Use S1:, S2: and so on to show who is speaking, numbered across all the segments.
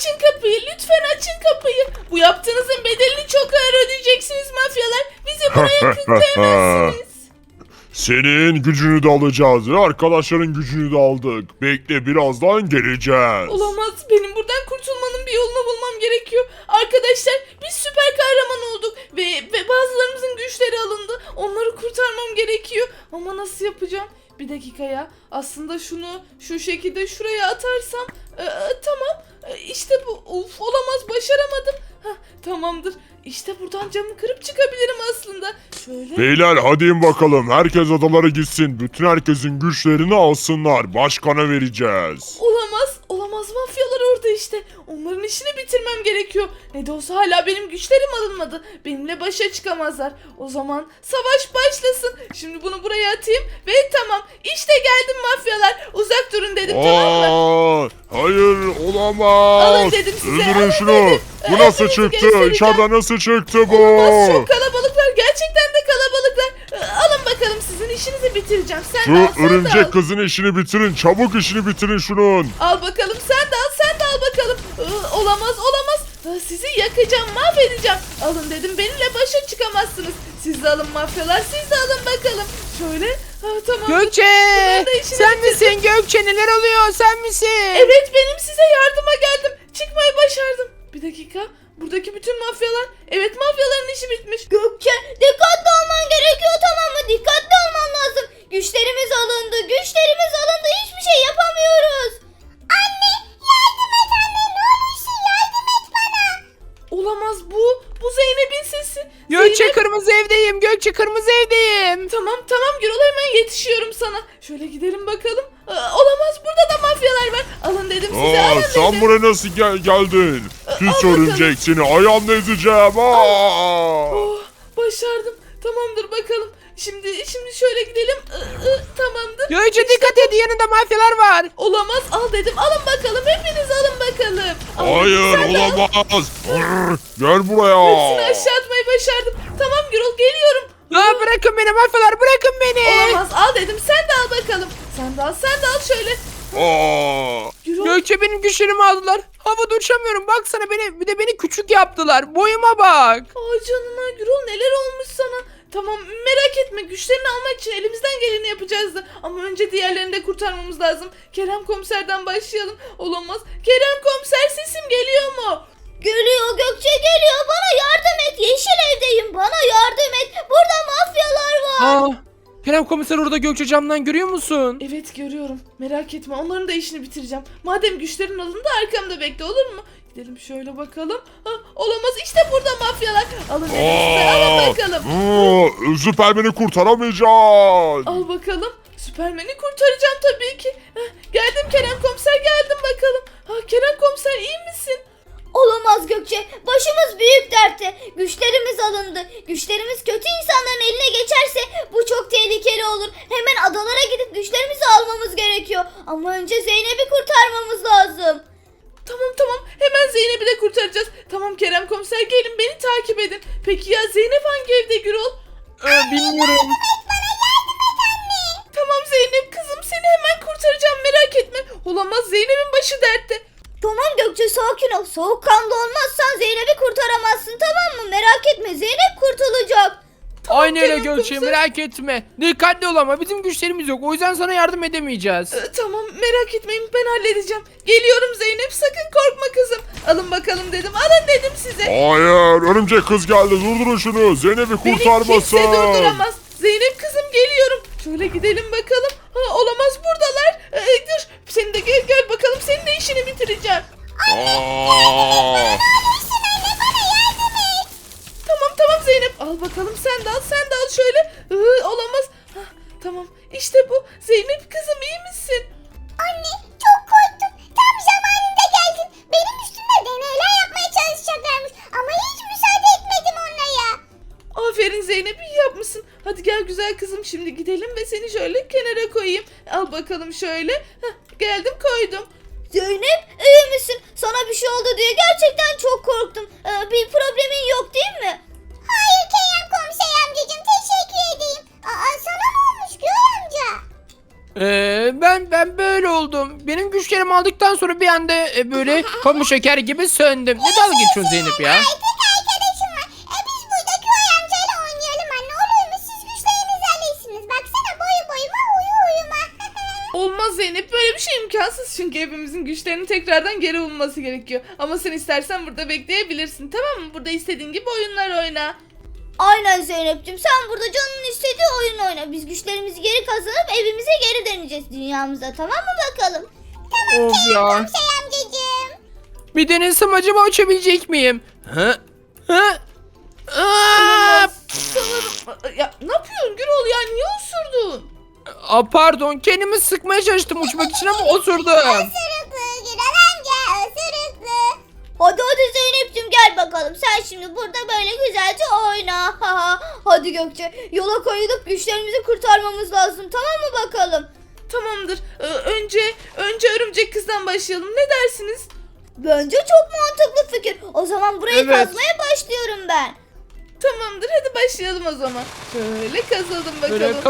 S1: açın kapıyı. Lütfen açın kapıyı. Bu yaptığınızın bedelini çok ağır ödeyeceksiniz mafyalar. Bizi buraya kilitlemezsiniz.
S2: Senin gücünü de alacağız ve arkadaşların gücünü de aldık. Bekle, birazdan geleceğiz.
S1: Olamaz. Benim buradan kurtulmanın bir yolunu bulmam gerekiyor. Arkadaşlar biz süper kahraman olduk. Ve bazılarımızın güçleri alındı. Onları kurtarmam gerekiyor. Ama nasıl yapacağım? Bir dakika ya. Aslında şunu şu şekilde şuraya atarsam. Tamam. İşte bu. Of, olamaz, başaramadım. Tamamdır. İşte buradan camı kırıp çıkabilirim aslında. Şöyle.
S2: Beyler hadi in bakalım. Herkes odalara gitsin. Bütün herkesin güçlerini alsınlar. Başkana vereceğiz.
S1: Olamaz. Olamaz, mafyalar orada işte. Onların işini bitirmem gerekiyor. Ne de olsa hala benim güçlerim alınmadı. Benimle başa çıkamazlar. O zaman savaş başlasın. Şimdi bunu buraya atayım ve tamam. İşte geldim mafyalar. Uzak durun dedim, tamam mı?
S2: Hayır, olamaz.
S1: Alın dedim size,
S2: Öldürün
S1: alın
S2: şunu.
S1: dedim.
S2: Bu nasıl
S1: Hepinizi
S2: çıktı?
S1: göstereceğim.
S2: İçeriden nasıl çıktı bu?
S1: Olamaz, çok kalabalıklar. Gerçekten de kalabalıklar. Alın bakalım, sizin işinizi bitireceğim. Sen de al,
S2: Şu
S1: sen de al.
S2: örümcek kızın işini bitirin. Çabuk işini bitirin şunun.
S1: Al bakalım, sen de al, sen de al bakalım. Olamaz, olamaz. Sizi yakacağım, mahvedeceğim. Alın dedim, benimle başa çıkamazsınız. Siz de alın mafyalar, siz de alın bakalım. Şöyle, tamam.
S3: Gökçe!
S1: Bunlar da işini
S3: Sen
S1: bitirdim.
S3: misin Gökçe? Neler oluyor? Sen misin?
S1: Evet, benim, size yardıma geldim. Çıkmayı başardım. Bir dakika, buradaki bütün mafyalar. Evet, mafyaların işi bitmiş.
S4: Gökçe, dikkatli olman gerekiyor, tamam mı? Dikkatli olman lazım. Güçlerimiz alındı, güçlerimiz alındı. Hiçbir şey yapamıyoruz. Anne, yardım et anne. Ne olursun yardım et bana.
S1: Olamaz, bu Zeynep'in sesi.
S3: Gökçe
S1: Zeynep.
S3: kırmızı evdeyim. Gökçe kırmızı evdeyim.
S1: Tamam Gürol, hemen yetişiyorum sana. Şöyle gidelim bakalım. Olamaz, burada da mafyalar var. Alın dedim size, alın
S2: Sen
S1: dedim.
S2: buraya nasıl geldin? Pis
S1: bakalım.
S2: örümcek, seni ayağımla ezeceğim.
S1: Oh, başardım. Tamamdır bakalım. Şimdi şöyle gidelim. Tamamdır.
S3: Gökçe dikkat et, yanında mafyalar var.
S1: Olamaz, al dedim. Alın bakalım. Hepiniz alın bakalım. Al dedim,
S2: Hayır,
S1: sen de al.
S2: olamaz. Gel buraya.
S1: Hepsini aşağı atmayı başardım. Tamam Gürol, geliyorum.
S3: Bırakın beni mafyalar, bırakın beni.
S1: Olamaz, al dedim. Sen de al bakalım. Sen de al şöyle. Gürol.
S3: Gökçe benim güçlerimi aldılar. Havada uçamıyorum. Baksana bir de beni küçük yaptılar. Boyuma bak.
S1: Canına Gürol, neler olmuş sana? Tamam, merak etme, güçlerini almak için elimizden geleni yapacağız da. Ama önce diğerlerini de kurtarmamız lazım. Kerem komiserden başlayalım. Olamaz. Kerem komiser, sesim geliyor mu?
S4: Geliyor Gökçe, geliyor. Bana yardım et. Yeşil evdeyim. Bana yardım et. Burada mafyalar var.
S3: Kerem komiser orada, Gökçe camdan görüyor musun?
S1: Evet, görüyorum. Merak etme, onların da işini bitireceğim. Madem güçlerin alındı, arkamda bekle, olur mu? Gidelim şöyle bakalım. Olamaz, işte burada mafyalar. Alın dedim size, alın bakalım.
S2: Süpermen'i kurtaramayacağız.
S1: Al bakalım. Süpermen'i kurtaracağım tabii ki. Geldim Kerem komiser, geldim bakalım. Kerem komiser, iyi misin?
S4: Olamaz Gökçe. Başımız büyük dertte. Güçlerimiz alındı. Güçlerimiz kötü insanların eline geçerse bu çok tehlikeli olur. Hemen adalara gidip güçlerimizi almamız gerekiyor. Ama önce Zeynep'i kurtarmamız lazım.
S1: Tamam, hemen Zeynep'i de kurtaracağız. Tamam Kerem komiser, gelin beni takip edin. Peki ya Zeynep hangi evde Gürol?
S3: Bilmiyorum.
S1: Tamam Zeynep kızım, seni hemen kurtaracağım, merak etme. Olamaz, Zeynep'in başı dertte.
S4: Tamam Gökçe, sakin ol. Soğukkanlı olmazsan Zeynep'i kurtaramazsın, tamam mı? Merak etme, Zeynep kurtulacak.
S3: Aynı öyle
S1: Kerem
S3: Gökçe,
S1: komiser.
S3: merak etme. Dikkatli ol ama bizim güçlerimiz yok. O yüzden sana yardım edemeyeceğiz.
S1: Tamam, merak etmeyin, ben halledeceğim. Geliyorum Zeynep, sakın korkma kızım. Alın bakalım dedim, alın dedim size.
S2: Hayır, örümcek kız geldi. Durdurun şunu. Zeynep'i
S1: Beni
S2: kurtarmasın.
S1: kimse durduramaz. Zeynep kızım, geliyorum. Şöyle gidelim bakalım. Olamaz, buradalar. Dur, sen de gel bakalım, senin de işini bitireceğim.
S2: Aa!
S1: Tamam Zeynep, al bakalım, sen de al şöyle. Olamaz. Tamam, işte bu. Zeynep kızım, iyi misin?
S4: Anne, çok korktum. Tam zamanında geldin. Benim üstümde deneyler yapmaya çalışacaklarmış. Ama hiç müsaade etmedim onlara.
S1: Aferin Zeynep, iyi yapmışsın. Hadi gel güzel kızım, şimdi gidelim ve seni şöyle kenara koyayım. Al bakalım şöyle. Geldim, koydum.
S4: Zeynep, iyi misin? Sana bir şey oldu diye gerçekten çok korktum. Bir problemin yok değil mi? Hayır Kerem komiser amcacığım, teşekkür edeyim. Sana ne olmuş Gül amca?
S3: Ben ben böyle oldum. Benim güçlerimi aldıktan sonra bir anda böyle pamuk şeker gibi söndüm. Ne dalga geçiyorsun Zeynep ya?
S4: Tek arkadaşım var. Biz burada Köy amcayla oynayalım anne. Olur mu? Siz güçlerinizi alırsınız. Baksana boyuma uyuma.
S1: Olmaz Zeynep, böyle bir şey imkansız çünkü hepimizin güçlerinin tekrardan geri bulunması gerekiyor. Ama sen istersen burada bekleyebilirsin, tamam mı? Burada istediğin gibi oyunlar oyna.
S4: Aynen Zeynep'ciğim, sen burada canın istediği oyun oyna. Biz güçlerimizi geri kazanıp evimize geri döneceğiz, dünyamıza, tamam mı bakalım?
S3: Of ya.
S4: Amcacığım.
S3: Bir denesem acaba uçabilecek miyim? Hı? Hı? Aa!
S1: Sanırım... Ya ne yapıyorsun Gürol ya, niye osurdun?
S3: Pardon, kendimi sıkmaya çalıştım uçmak için ama osurdum.
S4: Isırıklı Gürol amca, ısırıklı. Hadi Zeynep'ciğim, gel bakalım. Sen şimdi burada böyle güzelce oyna. Hadi Gökçe, yola koyulup güçlerimizi kurtarmamız lazım, tamam mı bakalım?
S1: Tamamdır. Önce örümcek kızdan başlayalım. Ne dersiniz?
S4: Bence çok mantıklı fikir. O zaman burayı
S3: Evet.
S4: kazmaya başlıyorum ben.
S1: Tamamdır, hadi başlayalım o zaman. Şöyle kazalım bakalım.
S3: Böyle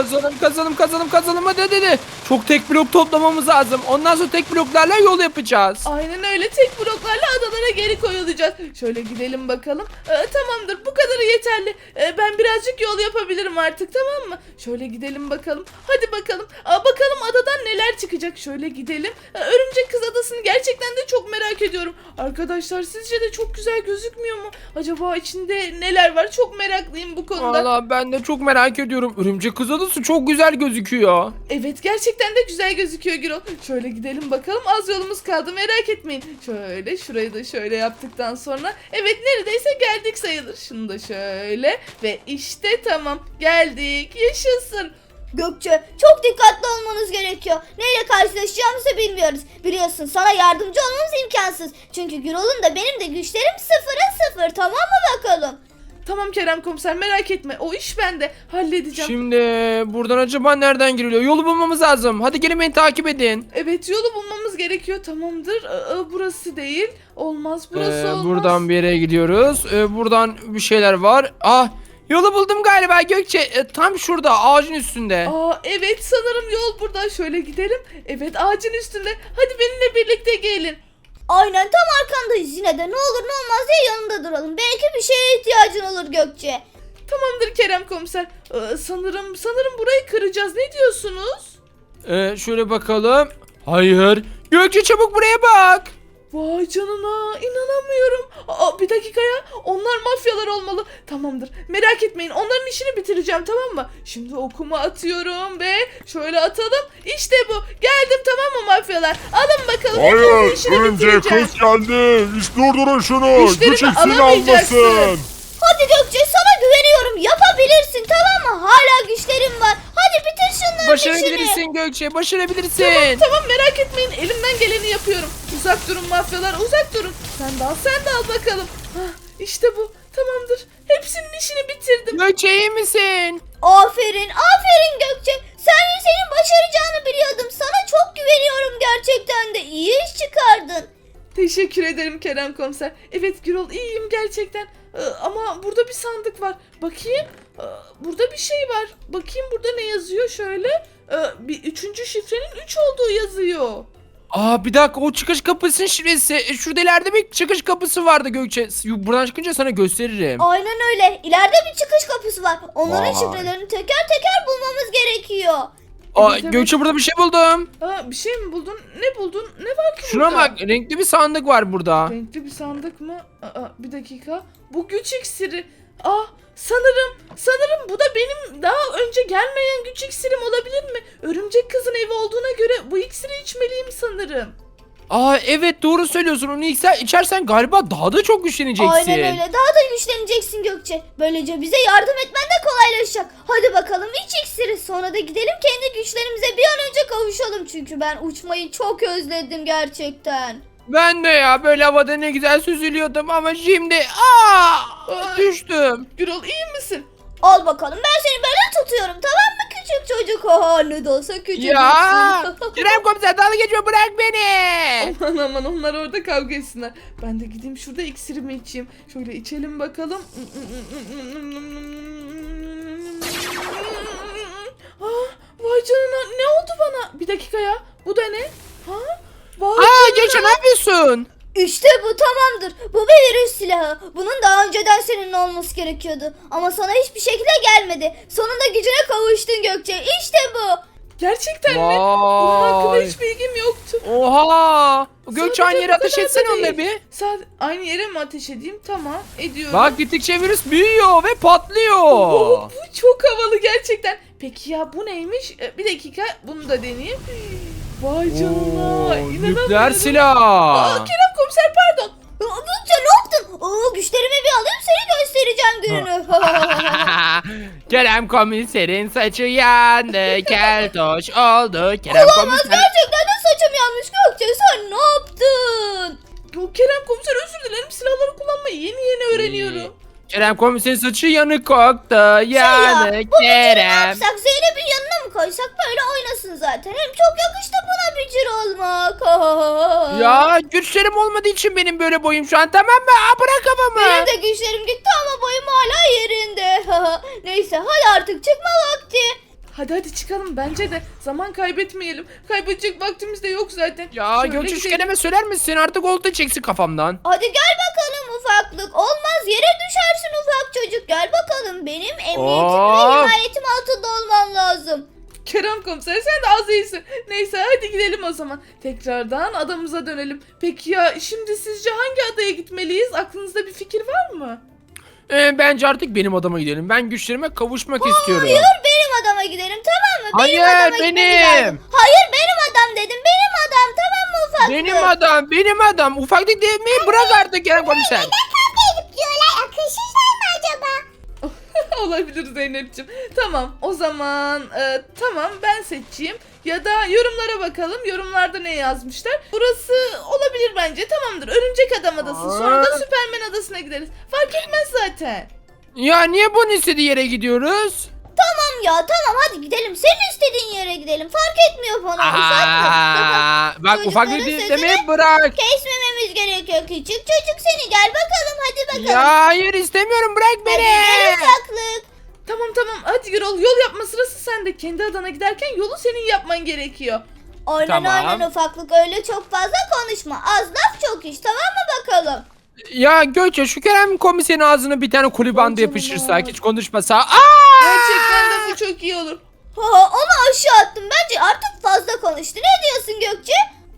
S3: kazalım hadi. Çok tek blok toplamamız lazım. Ondan sonra tek bloklarla yol yapacağız.
S1: Aynen öyle, tek bloklarla adalara geri koyulacağız. Şöyle gidelim bakalım. Tamamdır, bu kadarı yeterli. Ben birazcık yol yapabilirim artık, tamam mı? Şöyle gidelim bakalım. Hadi bakalım. Bakalım adadan neler çıkacak. Şöyle gidelim. Örümcek Kız Adası'nı gerçekten de çok merak ediyorum. Arkadaşlar, sizce de çok güzel gözükmüyor mu? Acaba içinde neler var? Çok meraklıyım bu konuda.
S3: Valla ben de çok merak ediyorum. Örümcek Kız Adası çok güzel gözüküyor.
S1: Evet, gerçekten de güzel gözüküyor Gürol. Şöyle gidelim bakalım, az yolumuz kaldı, merak etmeyin. Şöyle şurayı da şöyle yaptıktan sonra evet, neredeyse geldik sayılır. Şunu da şöyle ve işte tamam, geldik, yaşasın.
S4: Gökçe, çok dikkatli olmanız gerekiyor. Neyle karşılaşacağımızı bilmiyoruz. Biliyorsun, sana yardımcı olmamız imkansız. Çünkü Gürol'un da benim de güçlerim sıfıra sıfır, tamam mı bakalım?
S1: Tamam Kerem komiser, merak etme, o iş bende, halledeceğim.
S3: Şimdi buradan acaba nereden giriliyor? Yolu bulmamız lazım. Hadi gelin beni takip edin.
S1: Evet, yolu bulmamız gerekiyor, tamamdır. Burası değil, olmaz, burası olmaz.
S3: Buradan bir yere gidiyoruz. Buradan bir şeyler var. Yolu buldum galiba Gökçe. Tam şurada ağacın üstünde.
S1: Evet, sanırım yol burada. Şöyle gidelim. Evet, ağacın üstünde. Hadi benimle birlikte gelin.
S4: Aynen, tam arkandayız. Yine de ne olur ne olmaz diye yanında duralım. Belki bir şeye ihtiyacın olur Gökçe.
S1: Tamamdır Kerem komiser. Sanırım burayı kıracağız. Ne diyorsunuz?
S3: Şöyle bakalım. Hayır. Gökçe çabuk buraya bak.
S1: Vay canına, inanamıyorum. Bir dakika ya. Onlar mafyalar olmalı. Tamamdır. Merak etmeyin. Onların işini bitireceğim, tamam mı? Şimdi okumu atıyorum ve şöyle atalım. İşte bu. Geldim, tamam mı mafyalar? Alın bakalım.
S2: Hayır,
S1: hepinizin işini
S2: örümcek
S1: bitireceğim.
S2: kız geldi. Durdurun şunu.
S1: Güçlerimi
S2: Güç iksiri
S1: alamayacaksın.
S2: almasın.
S4: Hadi Gökçe, sana güveniyorum. Yapabilirsin, tamam mı? Hala güçlerim var. Hadi bitir şunların işini.
S3: Başarabilirsin Gökçe. Başarabilirsin.
S1: Tamam, merak etmeyin, elimden geleni yapıyorum. Uzak durun mafyalar, uzak durun. Sen de al bakalım. İşte bu, tamamdır. Hepsinin işini bitirdim.
S3: Gökçe iyi misin?
S4: Aferin Gökçe. Senin başaracağını biliyordum. Sana çok güveniyorum, gerçekten de. İyi iş çıkardın.
S1: Teşekkür ederim Kerem komiser. Evet Gürol, iyiyim gerçekten. Ama burada bir sandık var. Bakayım. Burada bir şey var. Bakayım burada ne yazıyor şöyle. Bir üçüncü şifrenin 3 olduğu yazıyor.
S3: Bir dakika, o çıkış kapısının şifresi. Şurada ileride bir çıkış kapısı vardı Gökçe. Buradan çıkınca sana gösteririm.
S4: Aynen öyle. İleride bir çıkış kapısı var. Onların
S3: Vay.
S4: şifrelerini teker teker bulmamız gerekiyor.
S1: Evet.
S3: Gökçe, burada bir şey buldum.
S1: Bir şey mi buldun? Ne buldun? Ne var ki
S3: Şuna
S1: burada?
S3: bak, renkli bir sandık var burada.
S1: Renkli bir sandık mı? Bir dakika. Bu güç iksiri. Sanırım bu da benim daha önce gelmeyen güç iksirim olabilir mi? Örümcek kızın evi olduğuna göre bu iksiri içmeliyim sanırım.
S3: Evet, doğru söylüyorsun. Onu içersen galiba daha da çok güçleneceksin.
S4: Aynen öyle. Daha da güçleneceksin Gökçe. Böylece bize yardım etmen de kolaylaşacak. Hadi bakalım, iç iksiri. Sonra da gidelim kendi güçlerimize bir an önce kavuşalım. Çünkü ben uçmayı çok özledim gerçekten.
S3: Ben de ya, böyle havada ne güzel süzülüyordum ama şimdi düştüm.
S1: Gürol, iyi misin?
S4: Al bakalım, ben seni böyle tutuyorum, tamam mı küçük çocuk? Ne de olsa küçücüksün.
S3: Ya Kerem komiser, dalga geçme, bırak beni.
S1: Aman onlar orada kavga etsinler. Ben de gideyim şurada iksirimi içeyim. Şöyle içelim bakalım. Vay canına, ne oldu bana? Bir dakika ya. Bu da ne? Ha? Vay
S3: Aa
S1: canına.
S3: Gökçe ne yapıyorsun?
S4: İşte bu tamamdır. Bu bir virüs silahı. Bunun daha önceden senin olması gerekiyordu. Ama sana hiçbir şekilde gelmedi. Sonunda gücüne kavuştun Gökçe. İşte bu.
S1: Gerçekten mi? Bunun hakkında
S3: Vay.
S1: hiç bilgim yoktu.
S3: Oha. Gökçe
S1: Sadece
S3: aynı
S1: bu
S3: yere ateş
S1: kadar da
S3: etsene
S1: değil.
S3: onunla bir.
S1: Aynı yere mi ateş edeyim? Tamam, ediyorum.
S3: Bak gittikçe virüs büyüyor ve patlıyor.
S1: Oo, bu çok havalı gerçekten. Peki ya bu neymiş? Bir dakika, bunu da deneyeyim. Vay canına.
S3: Oo,
S1: İnanamıyorum.
S3: nükleer silah.
S1: Kerem komiser pardon.
S4: Gökçe ne yaptın? Güçlerimi bir alayım seni göstereceğim gününü.
S3: Kerem komiserin saçı yandı, keltoş oldu. Kerem komiser.
S4: Gerçekten de saçım yanmış Gökçe. Sen ne yaptın?
S1: Bu Kerem komiser özür dilerim. Silahları kullanmayı yeni öğreniyorum.
S3: Kerem komiserin saçı yanık koktu. Yanık
S4: Bu bücürü ne
S3: Kerem.
S4: yapsak? Zeynep'in yanına mı koysak böyle oynasın zaten. Hem çok yakıştı buna bücür olmak.
S3: Ya güçlerim olmadığı için benim böyle boyum şu an, tamam mı? Aa, bırak kafamı.
S4: Benim de güçlerim gitti ama boyum hala yerinde. Neyse hadi artık çıkma vakti.
S1: Hadi çıkalım bence de. Zaman kaybetmeyelim. Kaybedecek vaktimiz de yok zaten.
S3: Ya
S1: Şöyle
S3: Gökçe şu
S1: gidelim.
S3: kelime söyler misin? Artık oldu çeksin kafamdan.
S4: Hadi gel bakalım ufaklık. Olmaz yere düşersin ufak çocuk. Gel bakalım benim emniyetim ve
S3: Of.
S4: himayetim altında olman lazım.
S1: Kerem komiser sen de az iyisin. Neyse hadi gidelim o zaman. Tekrardan adamıza dönelim. Peki ya şimdi sizce hangi adaya gitmeliyiz? Aklınızda bir fikir var mı?
S3: Bence artık benim adama gidelim. Ben güçlerime kavuşmak istiyorum.
S4: Hayır benim adama gidelim tamam mı? Benim
S3: Hayır,
S4: adama gitmemiz
S3: benim.
S4: lazım. Hayır benim adam dedim. Benim adam tamam mı ufaklık?
S3: Benim adam, benim adam. Ufaklık demeyi bırak artık Kerem komiser.
S4: Diyorlar akılsızlar mı acaba?
S1: Olabilir Zeynep'ciğim. Tamam o zaman tamam ben seçeyim. Ya da yorumlara bakalım. Yorumlarda ne yazmışlar? Burası olabilir bence. Tamamdır. Örümcek Adam Adası. Sonra da Süpermen Adası'na gideriz. Fark etmez zaten.
S3: Ya niye bunun istediği yere gidiyoruz?
S4: Tamam ya tamam hadi gidelim. Senin istediğin yere gidelim. Fark etmiyor bana ufaklık.
S3: Aa, bak
S4: çocukların
S3: ufaklık
S4: sözünü
S3: demeyi bırak.
S4: Kesmememiz gerekiyor küçük çocuk seni. Gel bakalım hadi bakalım.
S3: Ya hayır istemiyorum, bırak
S4: Hadi
S3: beni.
S4: gel ufaklık.
S1: Tamam hadi Gürol yol yapma sırası sende. Kendi adana giderken yolu senin yapman gerekiyor.
S4: Aynen
S3: Tamam.
S4: aynen ufaklık öyle çok fazla konuşma. Az laf çok iş tamam mı bakalım?
S3: Ya Gökçe şu Kerem komiserin ağzına bir tane koli
S1: Vay
S3: bandı
S1: canına.
S3: yapıştırsak, hiç konuşmasa. Aa!
S1: Gerçekten de bu çok iyi olur.
S4: Onu aşağı attım. Bence artık fazla konuştu. Ne diyorsun Gökçe?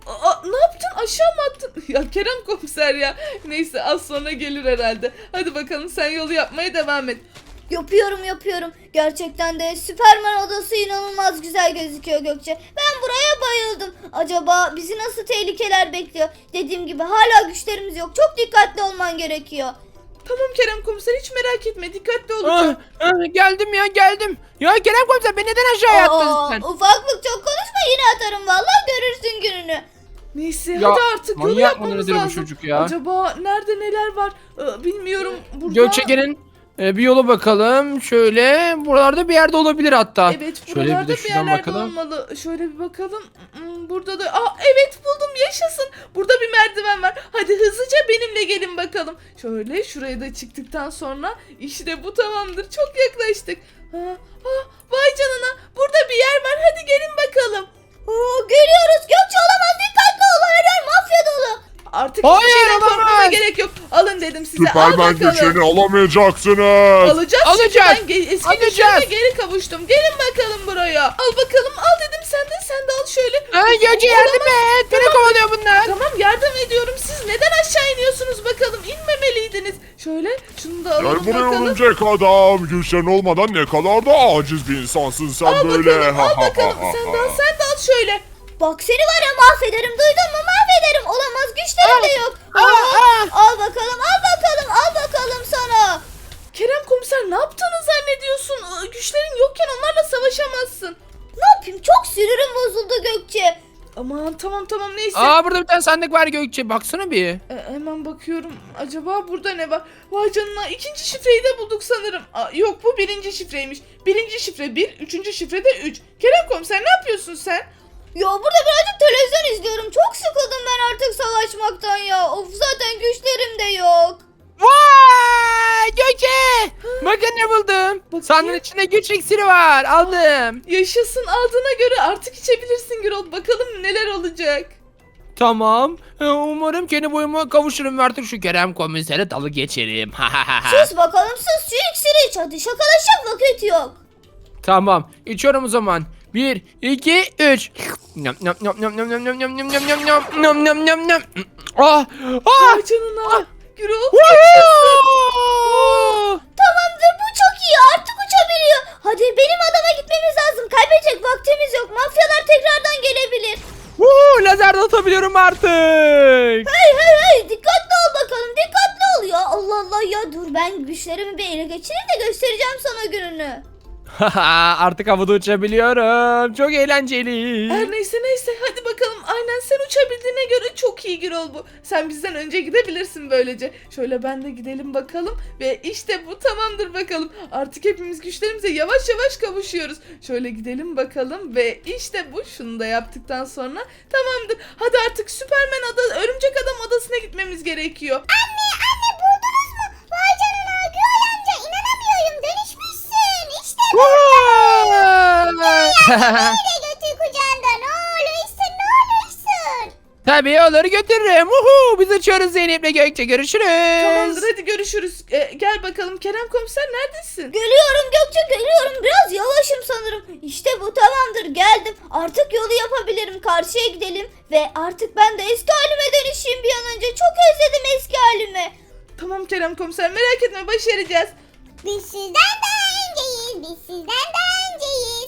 S1: Ne yaptın? Aşağı mı attın? Ya Kerem komiser ya. Neyse az sonra gelir herhalde. Hadi bakalım sen yolu yapmaya devam et.
S4: Yapıyorum. Gerçekten de Süperman odası inanılmaz güzel gözüküyor Gökçe. Ben buraya bayıldım. Acaba bizi nasıl tehlikeler bekliyor? Dediğim gibi hala güçlerimiz yok. Çok dikkatli olman gerekiyor.
S1: Tamam Kerem komiser hiç merak etme. Dikkatli
S3: Ah,
S1: olacağım.
S3: geldim ya geldim. Ya Kerem komiser beni neden aşağıya attın sen?
S4: Ufaklık çok konuşma yine atarım vallahi görürsün gününü.
S1: Neyse
S3: Ya,
S1: hadi artık yolu
S3: manyak
S1: yapmamız
S3: mıdır bu
S1: lazım.
S3: çocuk ya?
S1: Acaba nerede neler var? Bilmiyorum. Burada...
S3: Gökçe gelin. Bir yola bakalım. Şöyle buralarda bir yerde olabilir hatta.
S1: Evet
S3: Şöyle
S1: buralarda
S3: bir de
S1: bir
S3: şuradan
S1: yerlerde
S3: bakalım.
S1: olmalı. Şöyle bir bakalım. Burada da evet buldum yaşasın. Burada bir merdiven var. Hadi hızlıca benimle gelin bakalım. Şöyle şuraya da çıktıktan sonra işte bu tamamdır. Çok yaklaştık. Vay canına burada bir yer var. Hadi gelin bakalım.
S4: Geliyoruz Gökçe olamaz dikkatli ol her yer mafya dolu.
S1: Artık
S3: Hayır,
S1: hiçbir şeyden
S3: olamaz.
S1: korkmana gerek yok. Alın dedim size. Al
S2: Süpermen
S1: bakalım.
S2: güçlerini alamayacaksınız.
S1: Alacağız.
S3: Alacağız.
S1: Çünkü ben eski
S3: Alacağız.
S1: güçlerime geri kavuştum. Gelin bakalım buraya. Al bakalım. Al dedim sen de al şöyle.
S3: Gökçe yardım et. Beni kovalıyor bunlar.
S1: Tamam yardım ediyorum. Siz neden aşağı iniyorsunuz bakalım? İnmemeliydiniz. Şöyle şunu da
S2: Gel
S1: alalım
S2: buraya
S1: bakalım.
S2: örümcek adam. Güçlerin olmadan ne kadar da aciz bir insansın sen
S1: Al
S2: böyle.
S1: bakalım al bakalım. Sen de al şöyle.
S4: Bak seni var ya mahvederim duydun mu mahvederim. Olamaz güçlerim de yok. Al bakalım sana.
S1: Kerem komiser ne yaptığını zannediyorsun? Güçlerin yokken onlarla savaşamazsın.
S4: Ne yapayım çok sinirim bozuldu Gökçe.
S1: Aman tamam neyse.
S3: Burada bir tane sandık var Gökçe. Baksana bir.
S1: Hemen bakıyorum. Acaba burada ne var? Vay canına ikinci şifreyi de bulduk sanırım. Yok bu birinci şifreymiş. Birinci şifre 1, üçüncü şifre de 3. Kerem komiser ne yapıyorsun sen?
S4: Ya burada birazcık televizyon izliyorum. Çok sıkıldım ben artık savaşmaktan ya. Of zaten güçlerim de yok.
S3: Vay Gökçe. Bakın ne buldum. Sandığın içinde güç iksiri var. Aldım.
S1: Yaşasın, aldığına göre artık içebilirsin Gürol. Bakalım neler olacak.
S3: Tamam. Umarım kendi boyuma kavuşurum ve artık şu Kerem komisere dalı geçerim.
S4: Sus bakalım sus, şu iksiri iç hadi, şakalaşacak vakit yok.
S3: Tamam. İçiyorum o zaman. 1, 2, 3. Nam nam nam nam nam nam nam nam nam nam nam nam nam nam nam. Ah! Ah!
S1: Ay canına. Gürol.
S3: Woo!
S4: Tamamdır, bu çok iyi, artık uçabiliyor. Hadi benim adama gitmemiz lazım, kaybedecek vaktimiz yok, mafyalar tekrardan gelebilir.
S3: Woo! Lazer de atabiliyorum artık.
S4: Hey dikkatli ol bakalım, dikkatli ol ya. Allah Allah ya, dur ben güçlerimi bir ele geçireyim de göstereceğim sana gününü.
S3: Artık havada uçabiliyorum. Çok eğlenceli.
S1: Her neyse hadi bakalım. Aynen, sen uçabildiğine göre çok iyi Gürol bu. Sen bizden önce gidebilirsin böylece. Şöyle ben de gidelim bakalım. Ve işte bu tamamdır bakalım. Artık hepimiz güçlerimize yavaş yavaş kavuşuyoruz. Şöyle gidelim bakalım ve işte bu. Şunu da yaptıktan sonra tamamdır. Hadi artık Örümcek Adam odasına gitmemiz gerekiyor.
S4: Anne buldunuz mu? Vay canına, Gürol amca, inanamıyorum, dönüşmüşsün. İşte böyle götür kucağında, ne olursun.
S3: Tabii olur, götürürüm. Uhu, biz uçuyoruz Zeynep'le Gökçe, görüşürüz.
S1: Tamamdır, hadi görüşürüz. Gel bakalım Kerem komiser, neredesin?
S4: Geliyorum Gökçe, geliyorum, biraz yavaşım sanırım. İşte bu, tamamdır, geldim. Artık yolu yapabilirim, karşıya gidelim. Ve artık ben de eski halime dönüşeyim bir an önce. Çok özledim eski halimi.
S1: Tamam Kerem komiser, merak etme, başaracağız.
S4: Biz sizden daha önceyiz.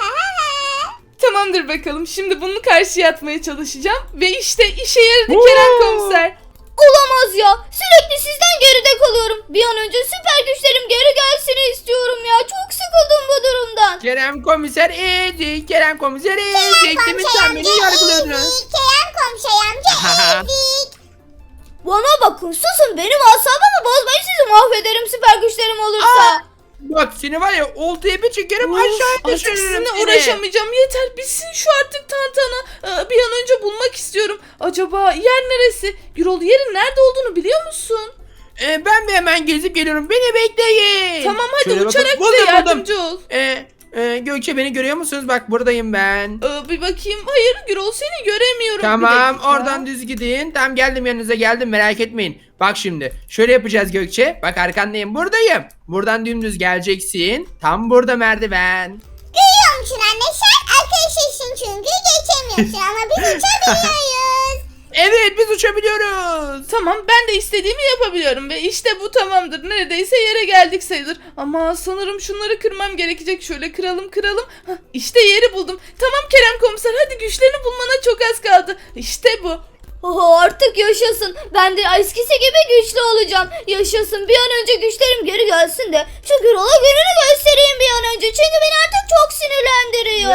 S1: Tamamdır bakalım. Şimdi bunu karşıya atmaya çalışacağım. Ve işte işe yaradı Kerem komiser.
S4: Olamaz ya. Sürekli sizden geride kalıyorum. Bir an önce süper güçlerim geri gelsin istiyorum ya. Çok sıkıldım bu durumdan.
S3: Kerem komiser ezik, Kerem komiser ezik. Demin sen beni yargılıyordun.
S4: Kerem komiser amca ezik. Bana bakın, susun, benim asabımı bozmayın, sizi mahvederim süper güçlerim olursa.
S3: Bak seni var ya, oltaya bir çekerim,
S1: Of,
S3: aşağı
S1: artık
S3: düşürürüm
S1: sizinle
S3: seni.
S1: uğraşamayacağım. Yeter, bitsin şu artık tantana. Bir an önce bulmak istiyorum. Acaba yer neresi? Gürol, yerin nerede olduğunu biliyor musun?
S3: Ben bir hemen gezip geliyorum, beni bekleyin.
S1: Tamam hadi,
S3: Şöyle
S1: uçarak
S3: bakın,
S1: bize
S3: buldum.
S1: yardımcı ol.
S3: Gökçe, beni görüyor musunuz? Bak buradayım ben.
S1: Bir bakayım. Hayır Gürol, seni göremiyorum. Bir
S3: Tamam,
S1: dakika.
S3: oradan düz gidin. Tamam, geldim yanınıza, geldim, merak etmeyin. Bak şimdi şöyle yapacağız Gökçe. Bak arkandayım, buradayım. Buradan dümdüz geleceksin. Tam burada merdiven.
S4: Görüyor musun anne, sen arkadaşısın çünkü geçemiyorsun ama biz uçabiliyoruz.
S3: Evet, biz uçabiliyoruz.
S1: Tamam, ben de istediğimi yapabiliyorum ve işte bu tamamdır. Neredeyse yere geldik sayılır. Ama sanırım şunları kırmam gerekecek. Şöyle kıralım. Hah, işte yeri buldum. Tamam Kerem komiser, hadi güçlerini bulmana çok az kaldı. İşte bu.
S4: Oho, artık yaşasın. Ben de eskisi gibi güçlü olacağım. Yaşasın. Bir an önce güçlerim geri gelsin de şu Gürol'a gününü göstereyim bir an önce. Çünkü beni artık çok sinirlendiriyor.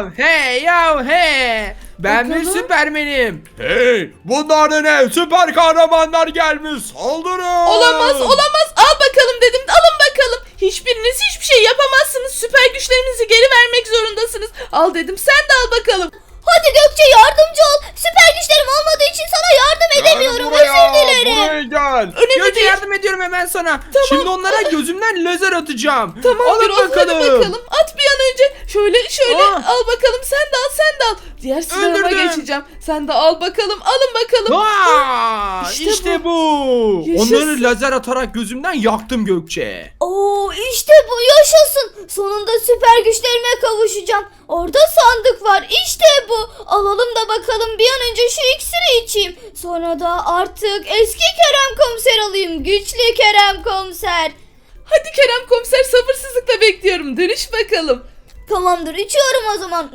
S3: Ya hey. Ben bir
S1: Bakalım.
S3: süpermenim.
S2: Hey, bunlar da ne? Süper kahramanlar gelmiş. Saldırın.
S1: Olamaz. Al bakalım dedim. Alın bakalım. Hiçbiriniz hiçbir şey yapamazsınız. Süper güçlerinizi geri vermek zorundasınız. Al dedim, sen de al bakalım.
S4: Hadi Gökçe, yardımcı ol. Süper güçlerim olmadığı için sana yardım edemiyorum. Özür dilerim.
S2: Buraya gel.
S1: Önemli
S3: Gökçe,
S1: değil.
S3: yardım ediyorum hemen sana. Şimdi onlara gözümden lazer atacağım.
S1: Tamam
S3: Alın
S1: Gürol, hadi bakalım. At bir an önce. Şöyle
S3: Aa.
S1: al bakalım, sen de al. Diğer silahıma
S3: Öldürdüm.
S1: geçeceğim. Sen de al bakalım, alın bakalım.
S3: Aa,
S1: İşte
S3: işte bu.
S1: Yaşasın.
S3: Onları lazer atarak gözümden yaktım Gökçe.
S4: Oo, işte bu, yaşasın. Sonunda süper güçlerime kavuşacağım. Orada sandık var. İşte bu. Alalım da bakalım, bir an önce şu iksiri içeyim. Sonra da artık eski Kerem komiser alayım. Güçlü Kerem komiser.
S1: Hadi Kerem komiser, sabırsızlıkla bekliyorum. Dönüş bakalım.
S4: Tamamdır, içiyorum o zaman.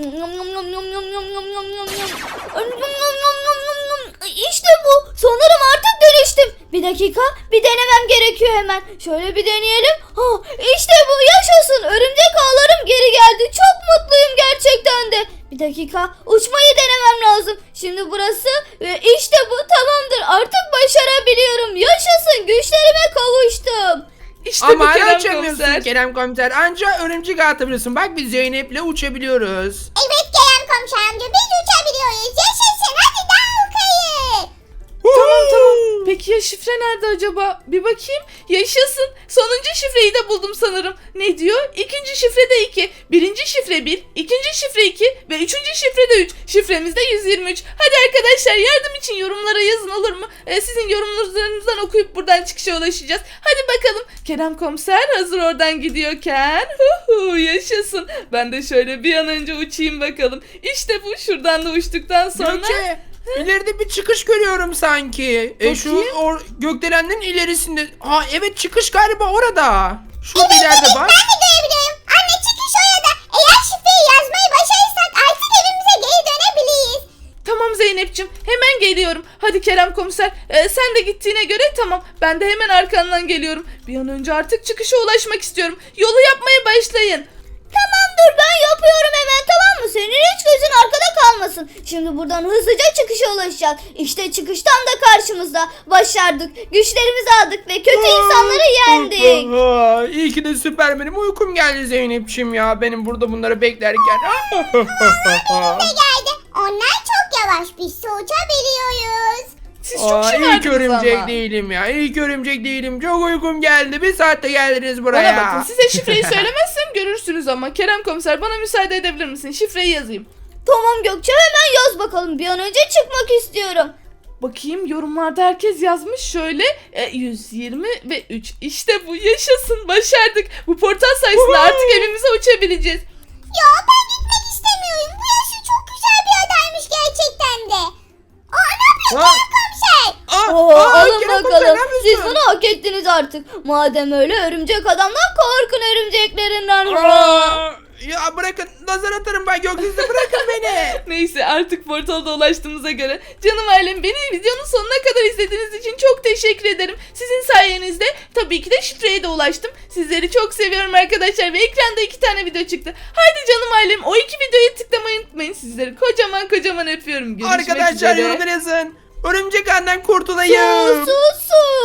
S4: İşte bu. Sanırım artık dönüştüm. Bir dakika, bir denemem gerekiyor hemen. Şöyle bir deneyelim. İşte bu, yaşasın. Örümcek ağlarım geri geldi. Çok mutluyum gerçekten de. Bir dakika, uçmayı denemem lazım. Şimdi burası ve işte bu, tamamdır. Artık başarabiliyorum. Yaşasın, güçlerime kavuştum.
S1: İşte
S3: Ama
S1: bu
S3: hala
S1: Kerem
S3: uçamıyorsun
S1: komiser.
S3: Kerem komiser. Anca örümcek atabiliyorsun. Bak biz Zeynep'le uçabiliyoruz.
S4: Evet Kerem komiser amca, biz uçabiliyoruz. Yaşasın, hadi daha yukarı.
S1: Tamam. Peki ya şifre nerede acaba? Bir bakayım. Yaşasın. Sonuncu şifreyi de buldum sanırım. Ne diyor? İkinci şifre de 2. Birinci şifre 1. İkinci şifre 2. Ve üçüncü şifre de 3. Şifremiz de 123. Hadi arkadaşlar yardım için yorumlara yazın olur mu? Sizin yorumlarınızdan okuyup buradan çıkışa ulaşacağız. Hadi bakalım. Kerem komiser hazır oradan gidiyorken. Yaşasın. Ben de şöyle bir an önce uçayım bakalım. İşte bu. Şuradan da uçtuktan sonra.
S3: Gökçe, ileride bir çıkış görüyorum sanki. Şu
S1: Bakayım.
S3: gökdelenlerin ilerisinde. Evet, çıkış galiba orada. Şurada ileride bak.
S4: Ben de görebiliyorum. Anne çıkış orada. Eğer şifreyi yazmayı başarırsak artık evimize geri dönebiliriz.
S1: Tamam Zeynep'ciğim hemen geliyorum. Hadi Kerem komiser sen de gittiğine göre tamam. Ben de hemen arkandan geliyorum. Bir an önce artık çıkışa ulaşmak istiyorum. Yolu yapmaya başlayın.
S4: Tamamdır ben yapıyorum hemen, tamam mı? Senin hiç gözün arkada kalmasın. Şimdi buradan hızlıca çıkışa ulaşacağız. İşte çıkıştan da karşımızda. Başardık. Güçlerimizi aldık ve kötü insanları yendik.
S3: İyi ki de Süpermen'im, uykum geldi Zeynep'ciğim ya. Benim burada bunları beklerken.
S4: Geldi. Onlar çok yavaş. Biz uçabiliyoruz.
S1: Siz çok
S3: İlk
S1: şımardınız
S3: örümcek
S1: ama.
S3: değilim ya. İlk örümcek değilim. Çok uykum geldi. Bir saatte geldiniz
S1: Bana
S3: buraya.
S1: bakın size şifreyi söylemezsem görürsünüz ama. Kerem komiser bana müsaade edebilir misin? Şifreyi yazayım.
S4: Tamam Gökçe hemen yaz bakalım. Bir an önce çıkmak istiyorum.
S1: Bakayım yorumlarda herkes yazmış şöyle 120 ve 3. İşte bu yaşasın başardık. Bu portal sayesinde artık evimize uçabileceğiz.
S4: Ya ben gitmek istemiyorum. Bu yaşı çok güzel bir adaymış gerçekten de. Ne yapıyorsun komiser? Alın
S3: Kerem komiser,
S4: bakalım.
S3: ne yapıyorsun?
S4: Siz bunu hak ettiniz artık. Madem öyle örümcek adamdan korkun örümceklerinden.
S3: Ya bırakın, nazar atarım ben gökyüzüne, bırakın beni.
S1: Neyse artık portalda ulaştığımıza göre canım ailem beni videonun sonuna kadar izlediğiniz için çok teşekkür ederim. Sizin sayenizde tabii ki de şifreye de ulaştım. Sizleri çok seviyorum arkadaşlar ve ekranda 2 tane video çıktı. Haydi canım ailem o 2 videoyu tıklamayı unutmayın. Sizleri kocaman öpüyorum. Görüşmek
S3: Arkadaşlar
S1: üzere.
S3: yorumlara yazın. Örümcek ağından kurtulayım.
S4: Su.